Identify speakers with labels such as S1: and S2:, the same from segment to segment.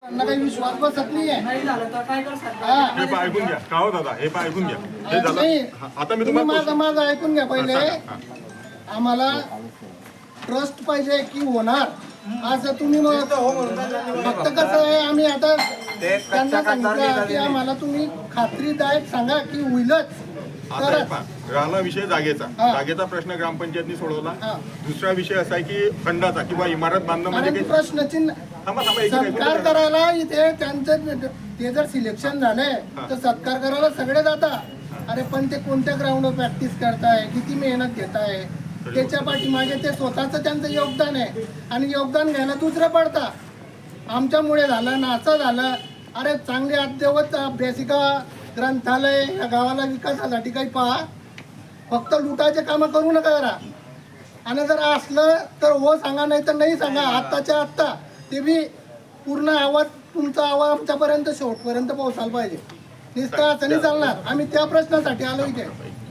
S1: त्यांना काही विश्वास बसत नाहीये.
S2: हे पण ऐकून घ्या का हो दादा, हे पण ऐकून घ्या. हे झालं आता मी
S1: तुम्ही
S2: तुम्हाला
S1: माझं ऐकून घ्या पहिले. आम्हाला ट्रस्ट पाहिजे की होणार असं तुम्ही मग फक्त कसं आहे आम्ही आता त्यांना सांगितलं की आम्हाला तुम्ही खात्रीदायक सांगा की होईलच.
S2: राहिला विषय जागेचा प्रश्न ग्रामपंचायतनी सोडवला. दुसरा विषय असा आहे की खंडाचा किंवा इमारत बांधणं म्हणजे
S1: प्रश्नचिन्ह सत्कार करायला इथे त्यांचं ते जर सिलेक्शन झालंय तर सत्कार करायला सगळे जातात. अरे पण ते कोणत्या ग्राउंडवर प्रॅक्टिस करताय, किती मेहनत घेताय, त्याच्या पाठीमागे ते स्वतःच त्यांचं योगदान आहे आणि योगदान घ्यायला दुसरं पडता. आमच्यामुळे झालं ना असं झालं. अरे चांगले अद्ययावत अभ्यासिका ग्रंथालय या गावाला विकासासाठी काही पहा. फक्त लुटाचे कामं करू नका जरा. आणि जर असलं तर हो सांगा, नाही तर नाही सांगा. आत्ताच्या आत्ता ते बी पूर्ण आवाज तुमचा आवाज आमच्यापर्यंत शेवटपर्यंत पोहोचायला पाहिजे. नुसतं असं नाही चालणार. आम्ही त्या प्रश्नासाठी आलो इथे.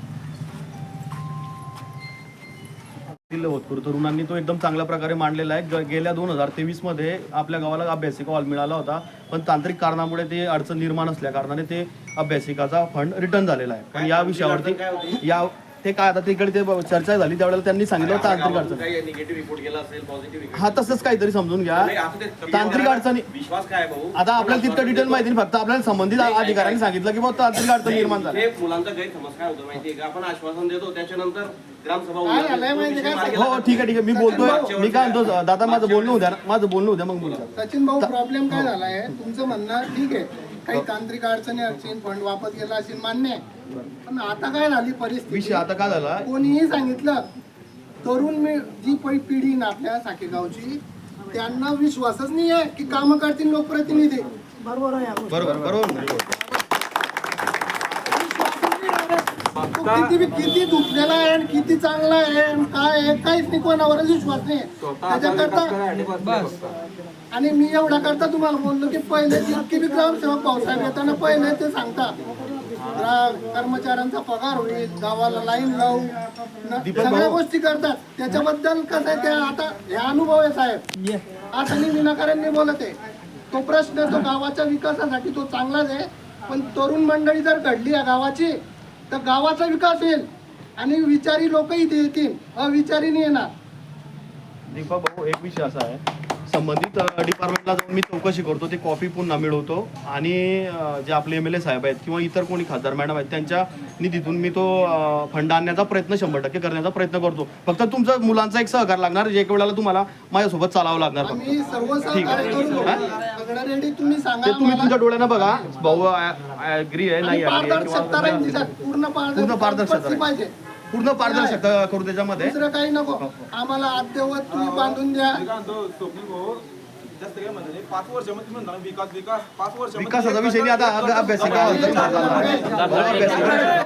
S3: होतकरू तरुणांनी तो एकदम चांगल्या प्रकारे मांडलेला आहे. गेल्या 2023 मध्ये आपल्या गावाला अभ्यासिका हॉल मिळाला होता, पण तांत्रिक कारणामुळे ते अडचण निर्माण असल्या कारणाने ते अभ्यासिकाचा फंड रिटर्न झालेला आहे. पण या विषयावरती ते काय आता तिकडे ते चर्चा झाली त्यावेळेला त्यांनी सांगितलं तांत्रिक अडचण. हा तसंच काहीतरी समजून घ्या. तांत्रिक अडचणी आता आपल्याला तितकं डिटेल माहिती नाही, फक्त आपल्याला संबंधित अधिकाऱ्यांनी सांगितलं की बाबा तांत्रिक अडचण निर्माण झाली.
S4: मुलांचा गैरसमज काय होतो माहितीये का, आपण आश्वासन देतो त्याच्यानंतर ग्रामसभा
S1: हो
S3: ठीक आहे मी बोलतोय. मी काय म्हणतो दादा माझं बोलणं होत्या मग बोलतो.
S1: सचिन भाऊ प्रॉब्लेम काय झालाय तुमचं म्हणणं ठीक आहे, काही तांत्रिक अडचणी फंड वापस गेला असेल मान्य आहे. पण आता काय झाली परिस्थिती,
S3: विषय आता काय झाला,
S1: कोणीही सांगितलं तरुण जी पिढी ना आपल्या साकेगावची त्यांना विश्वासच नाही आहे की काम करतील लोकप्रतिनिधी. बरोबर किती दुखलेला आहे आणि किती चांगला आहे काय आहे काहीच नाही, कोणावरच विश्वास नाही त्याच्याकरता. आणि मी एवढा करता तुम्हाला बोललो की पहिले जितकी बी ग्रामसेवक भाऊसाहेब येताना पहिले ते सांगता कर्मचाऱ्यांचा पगार होईल, गावाला लाईन लावू, सगळ्या गोष्टी करतात. त्याच्याबद्दल कसं आहे ते आता हे अनुभव आहे साहेब. असं नाही विनाकारण मी बोलत आहे. तो प्रश्न तो गावाच्या विकासासाठी तो चांगलाच आहे, पण तरुण मंडळी जर घडली या गावाची तर गावाचा विकास होईल आणि विचारी लोक इथे येतील, अविचारी नाही येणार.
S3: दीपक भाऊ एक विषय असा आहे, संबंधित डिपार्टमेंटला जाऊन मी चौकशी करतो, ते कॉपी पुन्हा मिळवतो आणि जे आपले MLA साहेब आहेत किंवा इतर कोणी खासदार मॅडम आहेत त्यांच्या निधीतून मी तो फंड आणण्याचा प्रयत्न 100% करण्याचा प्रयत्न करतो. फक्त तुमचा मुलांचा एक सहकार लागणार, जे एक वेळेला तुम्हाला माझ्यासोबत चालावं लागणार.
S1: तुम्ही
S3: तुमच्या डोळ्यानं बघा भाऊ ॲग्री आहे नाही पूर्ण पारदर्शकता करू त्याच्यामध्ये.
S1: दुसरं काही नको आम्हाला अद्ययावत तुम्ही बांधून द्या.
S3: विकासाचा विषय नाही आता अभ्यासिका